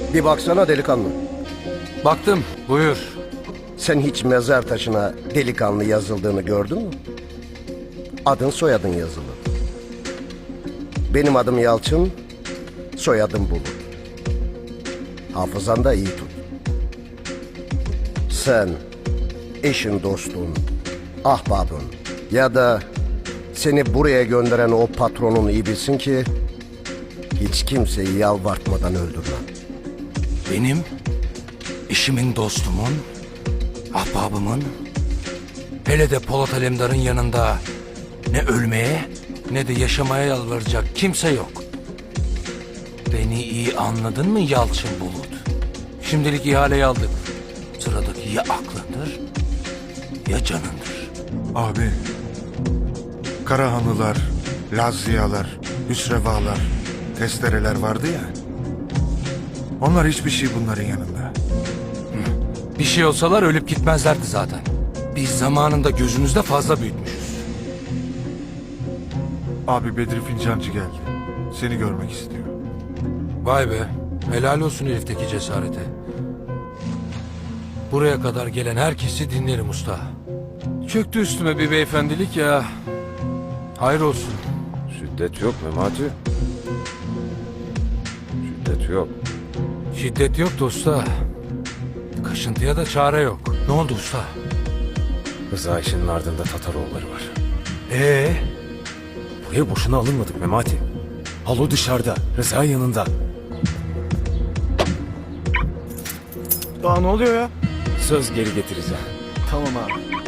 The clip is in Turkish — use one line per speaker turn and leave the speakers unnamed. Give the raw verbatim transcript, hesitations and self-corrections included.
Bir baksana delikanlı.
Baktım, buyur.
Sen hiç mezar taşına delikanlı yazıldığını gördün mü? Adın soyadın yazılı. Benim adım Yalçın, soyadım Bulut. Hafızan da iyi tut. Sen, eşin, dostun, ahbabın ya da seni buraya gönderen o patronun iyi bilsin ki hiç kimseyi yalvartmadan öldürmem.
Benim, eşimin, dostumun, ahbabımın, hele de Polat Alemdar'ın yanında ne ölmeye ne de yaşamaya yalvaracak kimse yok. Beni iyi anladın mı Yalçın Bulut? Şimdilik ihaleyi aldık. Sıradaki ya aklındır ya canındır.
Abi, Karahanlılar, Lazziyalar, Hüsrevalar, testereler vardı ya. Onlar hiçbir şey bunların yanında.
Bir şey olsalar ölüp gitmezlerdi zaten. Biz zamanında gözümüzde fazla büyütmüşüz.
Abi Bedri Fincancı geldi. Seni görmek istiyor.
Vay be, helal olsun herifteki cesarete. Buraya kadar gelen herkesi dinlerim usta. Çöktü üstüme bir beyefendilik ya. Hayır olsun.
Şiddet yok Memati. Şiddet yok.
Şiddet yok da usta. Kaşıntıya da çare yok. Ne oldu usta?
Rıza işinin ardında Tataroğulları var.
Ee,
Buraya boşuna alınmadık Memati. Halo dışarıda, Rıza yanında.
Daha ne oluyor ya?
Söz geri getireceğim.
Tamam abi.